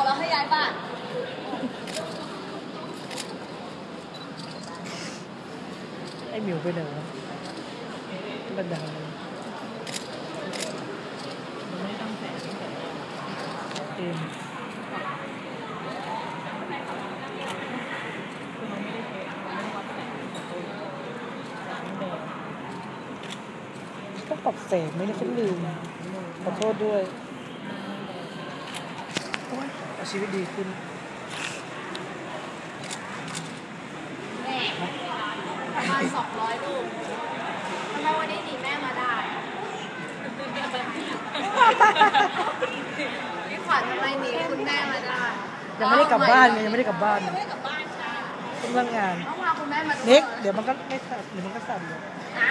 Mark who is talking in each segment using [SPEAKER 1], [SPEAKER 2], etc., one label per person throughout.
[SPEAKER 1] แล้วให้ย้ายบ้าน
[SPEAKER 2] ไอ้หมิวไปไหนวะบันไดไม่ต้องแสงเองต้องปรับแสงไม่ได้ฉันลืมขอโทษด้วยเอาชีวิตดีขึ้น
[SPEAKER 1] แม่ประมาณ200 ลูกทำไมวันนี้หนีแม่มาได้พี่ขวัญทำไมหนีคุณแม่มาได้
[SPEAKER 2] ยังไม่ได้กลับบ้านไงยังไม่ได้กลับบ้าน
[SPEAKER 1] ยังไม่ได้กลับบ้านค่ะ
[SPEAKER 2] ต้องเลิกงาน
[SPEAKER 1] ต้องพาคุณแม่มาดู
[SPEAKER 2] นิกเดี๋ยวมันก็ไม่สั่นเดี๋ยวมันก็สั่นเลย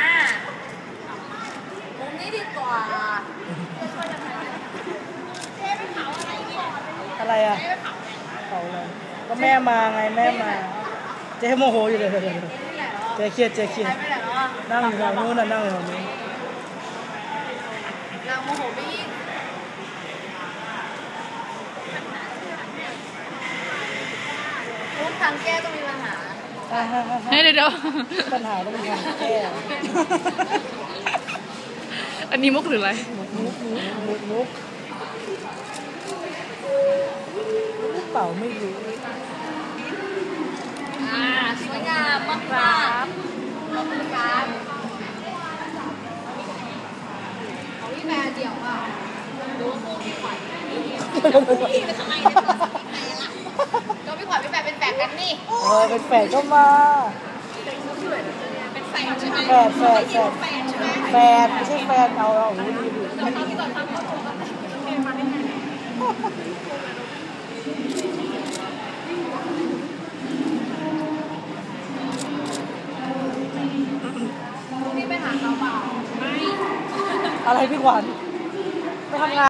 [SPEAKER 1] มุมนี้ดีกว่าเจ๊ไปเผาอะไรก่อน
[SPEAKER 2] อะไรอ่ะเผาอะไรก็แม่มาไงแม่มาเจ๊โมโหอยู่เลยเจ๊เครียดนั่งอยู่ทางนู้นน่ะนั่งอยู่ทางนู้น
[SPEAKER 1] นางโมโหไม่ยิ่งทุกทางแก้ต้องมีปัญหา
[SPEAKER 3] เดี๋ยว
[SPEAKER 2] ปัญหาต้องมีทางแก้
[SPEAKER 3] อันนี้มุกหรืออะไร
[SPEAKER 2] มุกเปล่าไม่รู้
[SPEAKER 1] สวยงามมากขอบคุณครับของพี่แม่เดี่ยวอ่ะดูคู่พี่ขวัญพี่เป็นทำไมเนี่ยก็พี่ขวัญพี่แม่เป็นแฝดกันนี่
[SPEAKER 2] เป็นแฝดก็มา
[SPEAKER 1] เป็นแฝดใช่ไหม
[SPEAKER 2] แฝดไม่ใช่แฟนเอาดี
[SPEAKER 1] พี่ไปหาเขาเปล่า
[SPEAKER 2] อะไรพี่ขวัญไม่ทำงาน